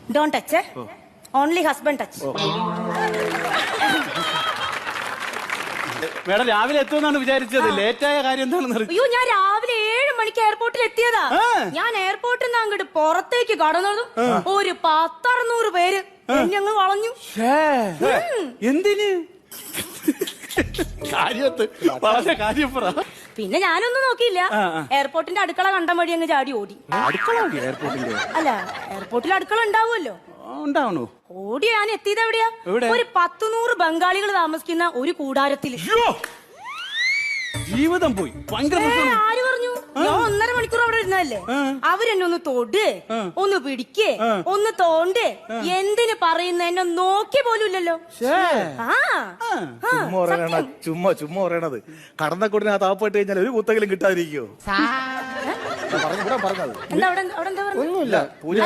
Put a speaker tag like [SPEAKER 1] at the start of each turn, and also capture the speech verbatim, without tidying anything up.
[SPEAKER 1] Don't touch. Only husband touch.
[SPEAKER 2] Madam രാവിലെ എത്തുമെന്നാണ് വിചാരിച്ചത്. ലേറ്റായ കാര്യം എന്താണെന്ന് അറിയാം.
[SPEAKER 1] അയ്യോ, ഞാൻ രാവിലെ ഏഴ് മണിക്ക് എയർപോർട്ടിൽ എത്തിയതാ. ഞാൻ എയർപോർട്ടിൽ നിന്ന് അങ്ങോട്ട് പുറത്തേക്ക് കടന്നതും ഒരു പത്തറുന്നൂറ് പേര് ഞങ്ങൾ വളഞ്ഞു.
[SPEAKER 2] എന്തിന്? കാര്യത്ത് വളരെ കാര്യം പറ.
[SPEAKER 1] പിന്നെ ഞാനൊന്നും നോക്കിയില്ല. എയർപോർട്ടിന്റെ അടുക്കള കണ്ടം വഴി അങ്ങ് ചാടി ഓടി.
[SPEAKER 2] അടുക്കള എയർപോർട്ടിന്റെ?
[SPEAKER 1] അല്ല, എയർപോർട്ടിൽ അടുക്കള ഉണ്ടാവുമല്ലോ.
[SPEAKER 2] ഉണ്ടാവണോ?
[SPEAKER 1] ഓടി ഞാൻ എത്തിയത് എവിടെയാ? ഒരു പത്തുനൂറ് ബംഗാളികൾ താമസിക്കുന്ന ഒരു കൂടാരത്തില്.
[SPEAKER 2] ജീവിതം പോയി.
[SPEAKER 1] ആര് പറഞ്ഞു? ഞാൻ ഒന്നര മണിക്കൂർ അവിടെ ഇരുന്നല്ലേ. അവരെന്നെ ഒന്ന് തൊട്, ഒന്ന് പിടിക്ക്, ഒന്ന് തോണ്ട്, എന്തിന് പറയുന്ന എന്നെ നോക്കി പോലും ഇല്ലല്ലോ.
[SPEAKER 3] ചുമ്മാ പറയണ ചുമ്മാ ചുമ്മാ പറയണത്. കടന്നക്കൂടിന് ആ താപ്പായിട്ട് കഴിഞ്ഞാൽ ഒരു കുത്തെങ്കിലും കിട്ടാതിരിക്കോ?
[SPEAKER 1] എന്താ അവിടെ? അവിടെ എന്താ പറഞ്ഞു?
[SPEAKER 3] ഒന്നുമില്ല. പൂജ